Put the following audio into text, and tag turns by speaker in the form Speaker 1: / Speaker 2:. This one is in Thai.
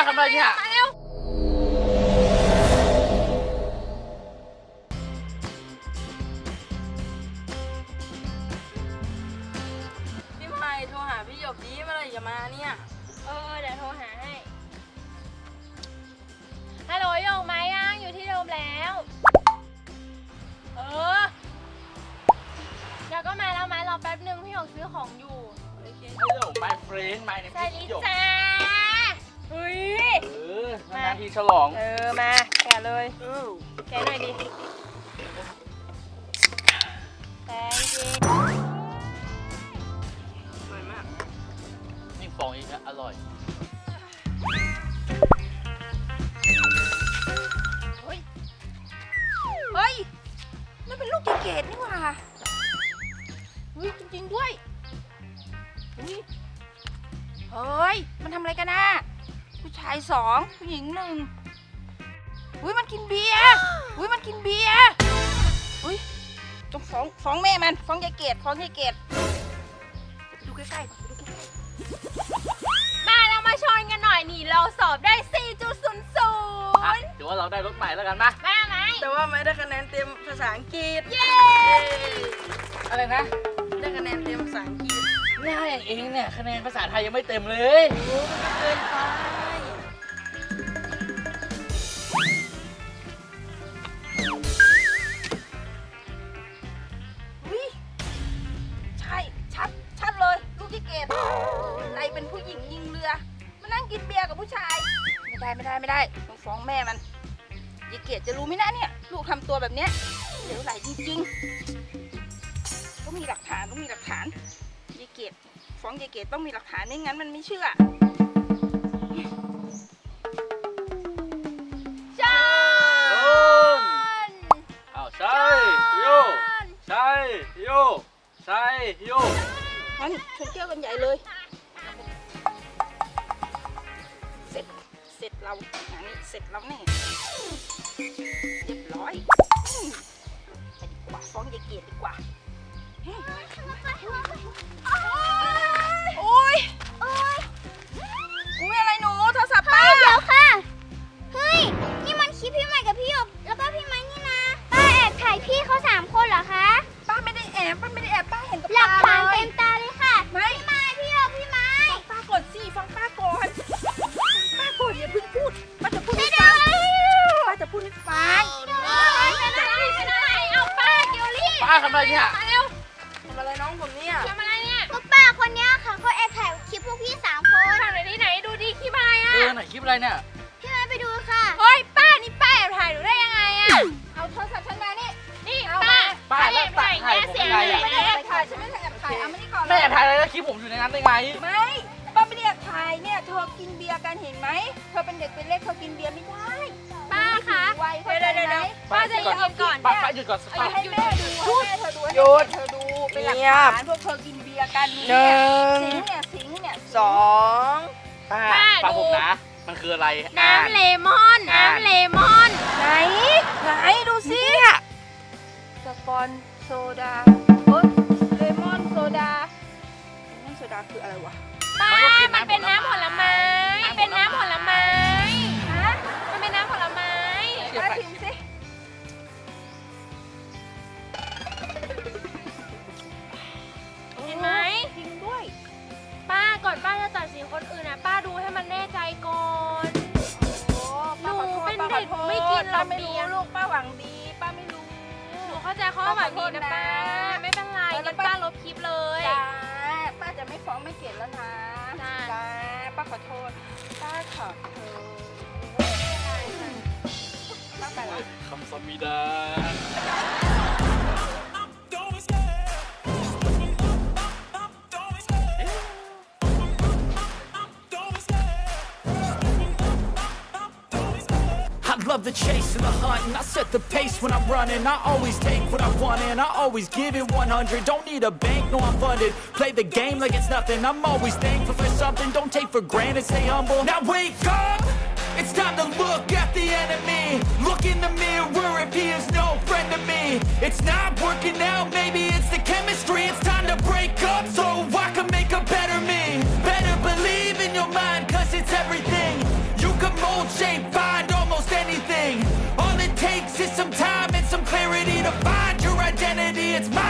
Speaker 1: ทำอะไรเนี่ย
Speaker 2: มาเร็วพี่ไผ่โทรหาพี่หยกดีเมื่อไหร่จะมาเนี่ย
Speaker 3: เดี๋ยวโทรหาให้ฮัลโหลโยกไหมยังอยู่ที่เดิมแล้วเดี๋ยวก็มาแล้วไหมรอแป๊บนึงพี่หยกซื้อของอยู่
Speaker 1: Hello my friend my name
Speaker 3: สวัส
Speaker 1: is
Speaker 3: ดี
Speaker 1: หยก
Speaker 3: จ้าเฮ้ย
Speaker 1: นานทีฉลอง
Speaker 3: มาแกะเลยแกะหน่อยดิแตงจี
Speaker 1: สวยมากนี่ฟองอีกนะอร่อย
Speaker 2: เฮ้ยนั่นเป็นลูกเกดนี่หว่าเฮ้ยจริงๆด้วยเฮ้ยมันทำอะไรกันนะผู้ชาย2ผู้หญิง1มันกินเบียร์มันกินเบียร์ต้องฟ้องแม่มันฟ้องยายเกดดูใกล้ๆ
Speaker 3: มาเรามาชนกันหน่อยนี่เราสอบได้ 4.00
Speaker 1: เดี๋ยวว่าเราได้รถใหม่แล้วกันมา
Speaker 3: มาไหม
Speaker 2: แต่ว่าไม่ได้คะแนนเต็มภาษาอังกฤษ
Speaker 3: เย้
Speaker 1: อะไรนะ
Speaker 2: ได้คะแนนเต็มภาษาอังกฤษ
Speaker 1: ง่ายอย่างเองเนี่ยคะแนนภาษาไทยยังไม่เต็มเลย
Speaker 2: โอ้มันเกินไปใช่ชัดเลยลูกที่เกดอะไรเป็นผู้หญิงยิงเรือมานั่งกินเบียร์กับผู้ชายไม่ได้ต้องฟ้องแม่มันยายเกดจะรู้ไหมนะเนี่ยลูกทำตัวแบบเนี้ยเหลวไหลจริงๆต้องมีหลักฐานยายเกดฟ้องยายเกดต้องมีหลักฐานไม่งั้นมันไม่เชื่อ
Speaker 1: ใช่โยใช่โย
Speaker 2: งั้นชวนเที่ยวกันใหญ่เลยเสร็จเรางานนี้เสร็จแล้วแน่เรียบร้อยไปดีกว่าฟ้องยายเกดดีกว่าโอ้ยอะไรหนูโทรศัพท์ป้า
Speaker 4: เดี๋ยวค่ะ เฮ้ย นี่มันคลิปพี่ใหม่กับพี่หยกแล้วก็พี่ไม้นี่นะ ป้าแอบถ่ายพี่เขา3 คนเหรอคะ
Speaker 2: ป้าไม่ได้แอบป้าเห็นกับ
Speaker 4: หลั
Speaker 2: ตาก
Speaker 4: ฐาน
Speaker 2: เล
Speaker 4: เต็
Speaker 2: ย
Speaker 4: มตาเลยค่ะ
Speaker 2: ไม่
Speaker 4: พี่ไม้พี่หยกพี่ไม้
Speaker 2: ป้ากดสิฟังป้าก่อนอย่าเพิ่งพูดป้าจะพูดให้ฟัง
Speaker 3: เอาป้าเกลลี่
Speaker 1: ป้าทำอะไรเนี่ย
Speaker 3: มาเร็ว
Speaker 2: ทำอะไรน้องผมเนี่ย
Speaker 3: ทำอะไรเนี่ย
Speaker 4: ก็ป้าคนเนี้ยค่ะเขาแอบถ่ายคลิปพวกพี่3 คน
Speaker 3: ถ่ายหน่อยดิไหนดูดิขี้พายอ่ะ
Speaker 1: ไหนคลิปอะไรเนี่ย
Speaker 4: พี่ไม้ไปดูค่ะ
Speaker 3: เฮ้ยป้านี่ป้าแอบถ่ายหนูได้ยังไงอ่ะ
Speaker 2: เอาโทรศัพท์ฉันมานี่
Speaker 3: นี่ป้า
Speaker 1: แล้ว
Speaker 3: แอบถ่าย
Speaker 1: ถ่ายผมยังไงอะ
Speaker 2: ไม่ได้แอบถ่ายฉันไม่ได้แอบถ่ายเอามานี่ก่อน
Speaker 1: แม่ถ่ายอะไรแล้วคลิปผมอยู่ในนั้นได้ไง
Speaker 2: ไม่ป้าไม่ได้แอบถ่ายเนี่ยเธอกินเบียร์กันเห็นไหมเธอเป็นเด็กเป็นเล็กเธอกินเบียร์ไม่ได้
Speaker 3: ป้าคะ
Speaker 2: ไวเข้าใจไหม
Speaker 3: ป้าจะหยุดก่อน
Speaker 1: ป้าหยุดก่อน
Speaker 2: เอาให้แม่ดูให้เธอดูเป็นหลักฐานพวกเธอกินเบียร์กันเนี่ยสิงเนี่ย2
Speaker 1: ป้าฟังผมนะมันคืออะไร
Speaker 3: น้ำเลมอน
Speaker 2: ไหนดูสิสปอนโซดาเลมอนโซดาคืออะไรวะ
Speaker 3: ป้ามันเป็นน้ำผลไม้เป็นน้ำผลไม้ฮะมันเป็นน้ำผลไม้
Speaker 2: ป้าพิมพ์สิ
Speaker 3: เห็นไหม
Speaker 2: จริงด้วย
Speaker 3: ป้าก่อนป้าจะตัดสินคนอื่นนะป้าดูให้มันแน่ใจก่อนหนูเป็นเด็กไม่กินหรอก
Speaker 2: ไม่รู้ลูกป้าหวังดีป้าไม่รู้
Speaker 3: หนูเข้าใจข้อหวังดีนะป้าไม่เป็นไรงั้นป้าลบคลิปเลย
Speaker 2: จ้าป้าจะไม่ฟ้องไม่เกลียดแล้วนะจ้าป้าขอโทษป้าขอโทษป้าไปแล้ว
Speaker 1: คำสมิดา
Speaker 5: I love the chase and the hunt, and I set the pace when I'm running. I always take what I want and I always give it 100. Don't need a bank, no I'm funded. Play the game like it's nothing. I'm always thankful for something. Don't take for granted, stay humble. Now wake up! It's time to look at the enemy. Look in the mirror if he is no friend to me. It's not working out, maybe it's the chemistry. It's time to break up so I can make a better me. Better believe in your mind, cause it's everything. You got it's my